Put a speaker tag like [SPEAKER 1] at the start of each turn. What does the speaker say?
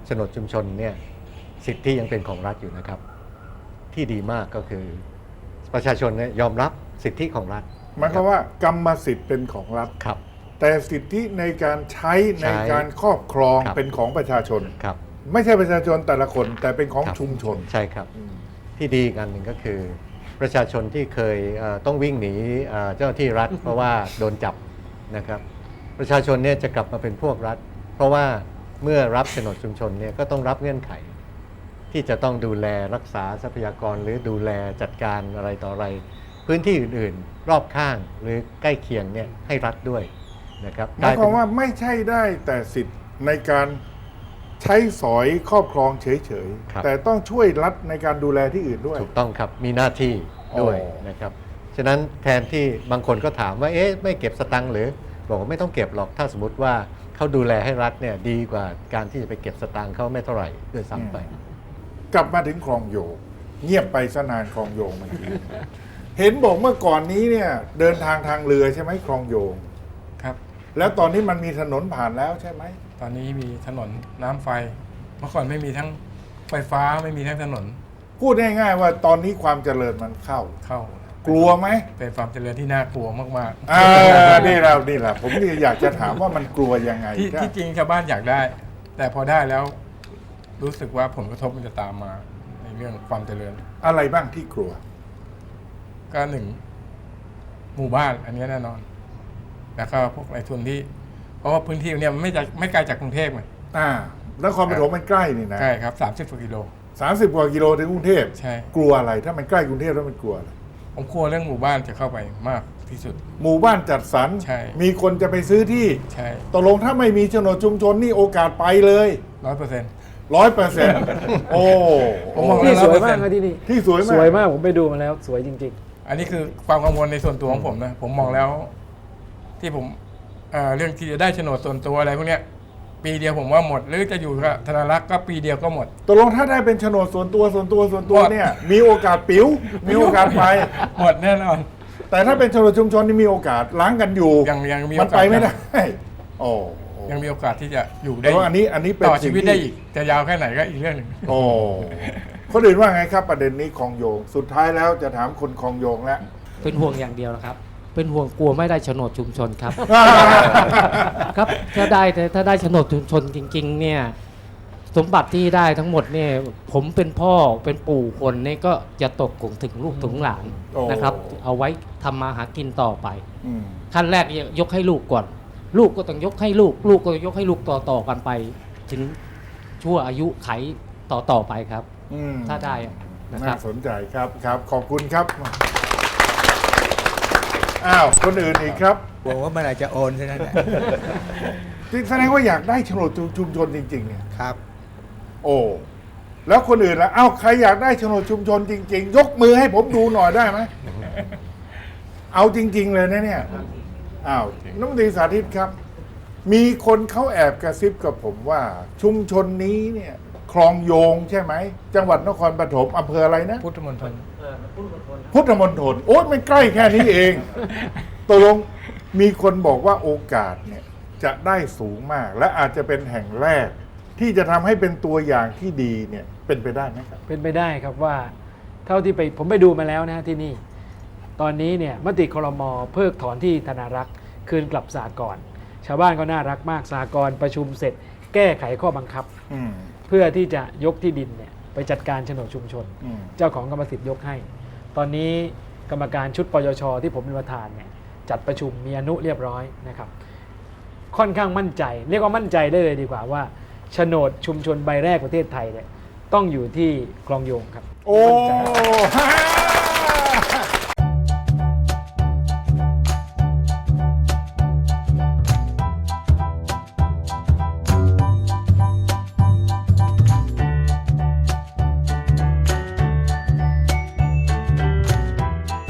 [SPEAKER 1] ฉนดชุมชนเนี่ยสิทธิยังเป็นของรัฐอยู่นะครับที่ดีมากก็คือประชาชนเนี่ยยอมรับสิทธิของรัฐ
[SPEAKER 2] หมายความว่ากรรมสิทธิ์เป็นของรัฐ
[SPEAKER 1] ครับ
[SPEAKER 2] แต่สิทธิในการใช้ในการครอบครองเป็นของประชาชน
[SPEAKER 1] ครับ
[SPEAKER 2] ไม่ใช่ประชาชนแต่ละคนแต่เป็นของชุมชน
[SPEAKER 1] ใช่ครับที่ดีกันหนึ่งก็คือประชาชนที่เคยต้องวิ่งหนีเจ้าหน้าที่รัฐ เพราะว่าโดนจับนะครับประชาชนเนี่ยจะกลับมาเป็นพวกรัฐเพราะว่าเมื่อรับโฉนดชุมชนเนี่ยก็ต้องรับเงื่อนไขที่จะต้องดูแลรักษาทรัพยากรหรือดูแลจัดการอะไรต่ออะไรพื้นที่อื่นๆรอบข้างหรือใกล้เคียงเนี่ยให้รัฐด้วยนะครับ
[SPEAKER 2] หมายความว่าไม่ใช่ได้แต่สิทธิ์ในการใช้สอยครอบครองเฉยๆแต่ต้องช่วยรัฐในการดูแลที่อื่นด้วย
[SPEAKER 1] ถูกต้องครับมีหน้าที่ด้วยนะครับฉะนั้นแทนที่บางคนก็ถามว่าเอ๊ะไม่เก็บสตังค์หรือบอกว่าไม่ต้องเก็บหรอกถ้าสมมติว่าเขาดูแลให้รัฐเนี่ยดีกว่าการที่จะไปเก็บสตังค์เขาไม่เท่าไหร่ด้วยซ้ำไป
[SPEAKER 2] กลับมาถึงคลองโยงเงียบไปซะนานคลองโยงเมื่อกี้เห็นบอกเมื่อก่อนนี้เนี่ยเดินทางทางเรือใช่ไหมคลองโยง
[SPEAKER 3] ครับ
[SPEAKER 2] แล้วตอนนี้มันมีถนนผ่านแล้วใช่ไหม
[SPEAKER 3] ตอนนี้มีถนนน้ำไฟเมื่อก่อนไม่มีทั้งไฟฟ้าไม่มีทั้งถนน
[SPEAKER 2] พูดง่ายๆว่าตอนนี้ความเจริญมันเข้ากลัวไหม
[SPEAKER 3] เป็นความเจริญที่น่ากลัวมาก
[SPEAKER 2] ๆนี่แหละผมอยากจะถามว่ามันกลัวยังไง
[SPEAKER 3] ที่จริงชาวบ้านอยากได้ แต่พอได้แล้วรู้สึกว่าผลกระทบมันจะตามมาในเรื่องความเจริญ
[SPEAKER 2] อะไรบ้างที่กลัว
[SPEAKER 3] ก็หนึ่งหมู่บ้านอันนี้แน่นอนแล้วก็พวกนายทุนที่เพราะว่าพื้นที่เนี่ยมันไม่ไกลจากกรุงเทพไง
[SPEAKER 2] นครปฐมมันใกล้นี่นะ
[SPEAKER 3] ใช่ครับ30 กว่ากิโล
[SPEAKER 2] 30 กว่ากิโลถึงกรุงเทพ
[SPEAKER 3] ใช่
[SPEAKER 2] กลัวอะไรถ้ามันใกล้กรุงเทพแล้วมันกลัวอะไร
[SPEAKER 3] ผมกลัวเรื่องหมู่บ้านจะเข้าไปมากที่สุด
[SPEAKER 2] หมู่บ้านจัดสรรมีคนจะไปซื้อที่
[SPEAKER 3] ใช่
[SPEAKER 2] ตกลงถ้าไม่มีโฉนดชุมชนนี่โอกาสไปเลย100%โอ้
[SPEAKER 3] ผมมอง
[SPEAKER 4] ที่สวยมากนะที่นี่
[SPEAKER 2] ที่สวย
[SPEAKER 4] มากผมไปดูมาแล้วสวยจริง
[SPEAKER 3] ๆอันนี้คือความกังวลในส่วนตัวของผมนะผมมองแล้วที่ผมเรื่องที่จะได้โฉนดส่วนตัวอะไรพวกเนี้ยปีเดียวผมว่าหมดหรือจะอยู่กับธนารักษ์ก็ปีเดียวก็หมด
[SPEAKER 2] ตกลงถ้าได้เป็นโฉนดส่วนตัวเนี่ยมีโอกาสปิ้วมีโอกาสไป
[SPEAKER 3] หมดแน่นอน
[SPEAKER 2] แต่ถ้าเป็นโฉนดชุมชนนี่มีโอกาสล้างกันอยู่
[SPEAKER 3] ยังมี
[SPEAKER 2] มันไปไม่ได้โอ้
[SPEAKER 3] ยังมีโอกาสที่จะอยู่ได้
[SPEAKER 2] อันนี้
[SPEAKER 3] ต่อชีวิตได้อีกจะยาวแค่ไหนก็อีกเรื่องหนึ่ง
[SPEAKER 2] โอ้คนอื่นว่าไงครับประเด็นนี้คลองโยงสุดท้ายแล้วจะถามคนคลองโยงแล้ว
[SPEAKER 4] เป็นห่วงอย่างเดียวนะครับเป็นห่วงกลัวไม่ได้โฉนดชุมชนครับครับถ้าได้โฉนดชุมชนจริงๆเนี่ยสมบัติที่ได้ทั้งหมดเนี่ยผมเป็นพ่อเป็นปู่คนนี่ก็จะตกถึงลูกถึงหลานนะครับเอาไว้ทำมาหากินต่อไปขั้นแรกยกให้ลูกก่อนลูกก็ต้องยกให้ลูกก็ยกให้ลูกต่อกันไปถึงชั่วอายุไขต่อไปครับถ้าได้นะครับ
[SPEAKER 2] น่าสนใจครับขอบคุณครับอ้าวคนอื่นอีกครับ
[SPEAKER 5] บอกว่าเมื่อไหร่จะโอนใช่ไหม
[SPEAKER 2] แสดงว่าอยากได้โฉนดชุมชนจริงๆเนี่ย
[SPEAKER 5] ครับ
[SPEAKER 2] โอ้แล้วคนอื่นล่ะใครอยากได้โฉนดชุมชนจริงๆยกมือให้ผมดูหน่อยได้ไหมเอาจริงๆเลยนะเนี่ยน้องดีสาธิตครับมีคนเขาแอบกระซิบกับผมว่าชุมชนนี้เนี่ยคลองโยงใช่ไหมจังหวัดนครปฐมอำเภออะไรนะ
[SPEAKER 3] พุทธมณฑล
[SPEAKER 2] โอ๊ยมันใกล้แค่นี้เองตกลงมีคนบอกว่าโอกาสเนี่ยจะได้สูงมากและอาจจะเป็นแห่งแรกที่จะทำให้เป็นตัวอย่างที่ดีเนี่ยเป็นไปได้ไหมครับ
[SPEAKER 4] เป็นไปได้ครับว่าเท่าที่ผมไปดูมาแล้วนะที่นี่ตอนนี้เนี่ยมติครม.เพิกถอนที่ธนารักษ์คืนกลับสหกรณ์ชาวบ้านก็น่ารักมากสหกรณ์ประชุมเสร็จแก้ไขข้อบังคับเพื่อที่จะยกที่ดินเนี่ยไปจัดการโฉนดชุมชนเจ้าของกรรมสิทธิ์ยกให้ตอนนี้กรรมการชุดปยช.ที่ผมเป็นประธานเนี่ยจัดประชุมมีอนุเรียบร้อยนะครับค่อนข้างมั่นใจเรียกว่ามั่นใจได้เลยดีกว่าว่าโฉนดชุมชนใบแรกประเทศไทยเนี่ยต้องอยู่ที่คลองโยงครับ
[SPEAKER 2] โอ้